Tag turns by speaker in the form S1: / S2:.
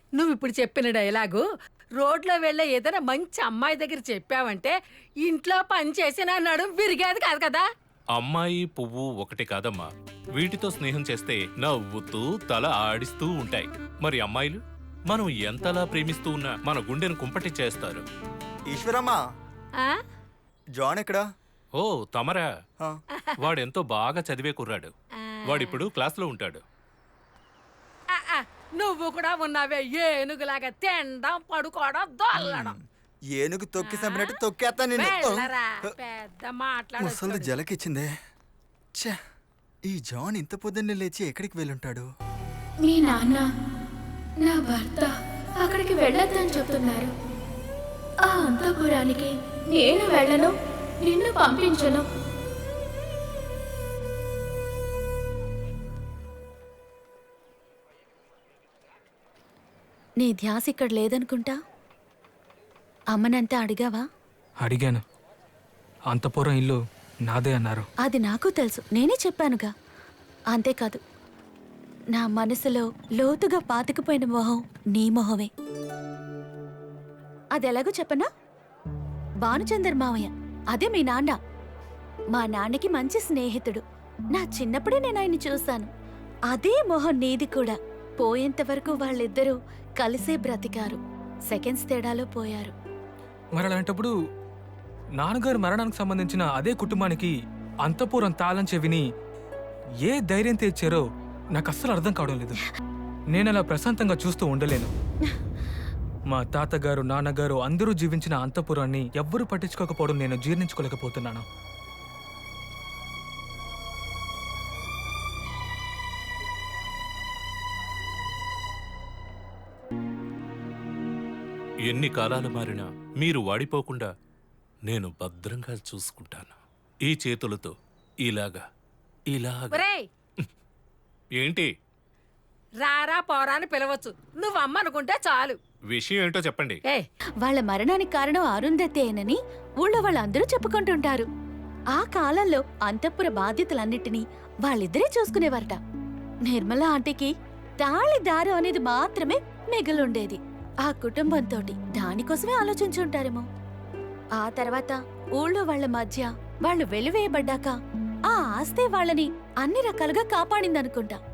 S1: నువ్వు ఇప్పుడు చెప్పిన డైలాగు రోడ్లో వెళ్ళే ఏదైనా మంచి అమ్మాయి దగ్గర చెప్పావంటే ఇంట్లో పని చేసి నా నడుం విరిగేది కాదు కదా.
S2: అమ్మాయి పువ్వు ఒకటి కాదమ్మా, వీటితో స్నేహం చేస్తే నవ్వుతూ తల ఆడిస్తూ ఉంటాయి. మరి అమ్మాయిలు మనం ఎంతలా ప్రేమిస్తూ ఉన్నా మన గుండెను కుంపటి చేస్తారు.
S3: ఈశ్వరమ్మా,
S1: ఆ?
S3: జాన్ ఎక్కడా?
S2: ఓ తమరా,
S3: ఆ,
S2: వాడెంతో బాగా చదివే కుర్రాడు. వాడిప్పుడు క్లాస్లో ఉంటాడు.
S1: ఆ, ఆ, నువ్వు కూడా ఉన్నావే ఏనుగులాగా తినడం పడుకోవడం దొల్లడం.
S3: ఏనుగు తొక్కి చంపినట్టు తొక్కేస్తా నిన్ను.
S1: వెళ్ళరా, పెద్ద
S3: ముసలి
S1: మాట్లాడు.
S3: జలకిచ్చిందే. ఛే, ఈ జాన్ ఇంత పొద్దున్నే లేచి ఎక్కడికి వెళ్ళుంటాడు?
S4: మీ నాన్న నా భర్త అక్కడికి వెళ్ళొద్దని చెప్తున్నారు. ఆ అంతఃపురానికి నేను వెళ్ళను, నిన్ను పంపించను.
S5: నీ ధ్యాస ఇక్కడ లేదనుకుంటా. అమ్మనంతా అడిగావా?
S6: అడిగాను. అంతపురం ఇల్లు నాదే అన్నారు.
S5: అది నాకు తెలుసు, నేనే చెప్పానుగా. అంతేకాదు, నా మనసులో లోతుగా పాతుకుపోయిన మొహం నీ మొహమే. అదెలాగో చెప్పనా? భానుచందర్ మావయ్య, అదే మీ నాన్న. మా నాన్నకి మంచి స్నేహితుడు. నా చిన్నప్పుడే నేను ఆయన్ని చూశాను. అదే మొహం నీది కూడా. పోయేంత వరకు వాళ్ళిద్దరూ కలిసే బ్రతికారు. సెకండ్స్ తేడాలో పోయారు.
S6: మరి అలాంటప్పుడు నాన్నగారు మరణానికి సంబంధించిన అదే కుటుంబానికి అంతపురం తాళం చెవిని ఏ ధైర్యం తెచ్చారో నాకు అస్సలు అర్థం కావడం లేదు. నేను అలా ప్రశాంతంగా చూస్తూ ఉండలేను. మా తాతగారు, నాన్నగారు అందరూ జీవించిన అంతపురాన్ని ఎవ్వరూ పట్టించుకోకపోవడం నేను జీర్ణించుకోలేకపోతున్నాను.
S2: ఎన్ని కాలాలు మారినా మీరు వాడిపోకుండా నేను భద్రంగా చూసుకుంటాను. ఈ చేతులతో ఇలాగా ఇలాగా.
S1: ఒరేయ్,
S2: ఏంటి
S1: రారా పోరా అని పిలవచ్చు. నువ్వు అమ్మ అనుకుంటే చాలు.
S2: విషయం ఏంటో చెప్పండి.
S1: ఏ
S5: వాళ్ళ మరణానికి కారణం అరుంధతేనని ఊళ్ళో వాళ్ళందరూ చెప్పుకుంటుంటారు. ఆ కాలంలో అంతఃపుర బాధ్యతలన్నిటినీ వాళ్ళిద్దరే చూసుకునేవారట. నిర్మల ఆంటీకి తాళి దారం అనేది మాత్రమే మిగిలుండేది. ఆ కుటుంబంతోటి దానికోసమే ఆలోచించుంటారేమో. ఆ తర్వాత ఊళ్ళో వాళ్ళ మధ్య వాళ్ళు వెలివేయబడ్డాక ఆ ఆస్తే వాళ్ళని అన్ని రకాలుగా కాపాడిందనుకుంటా.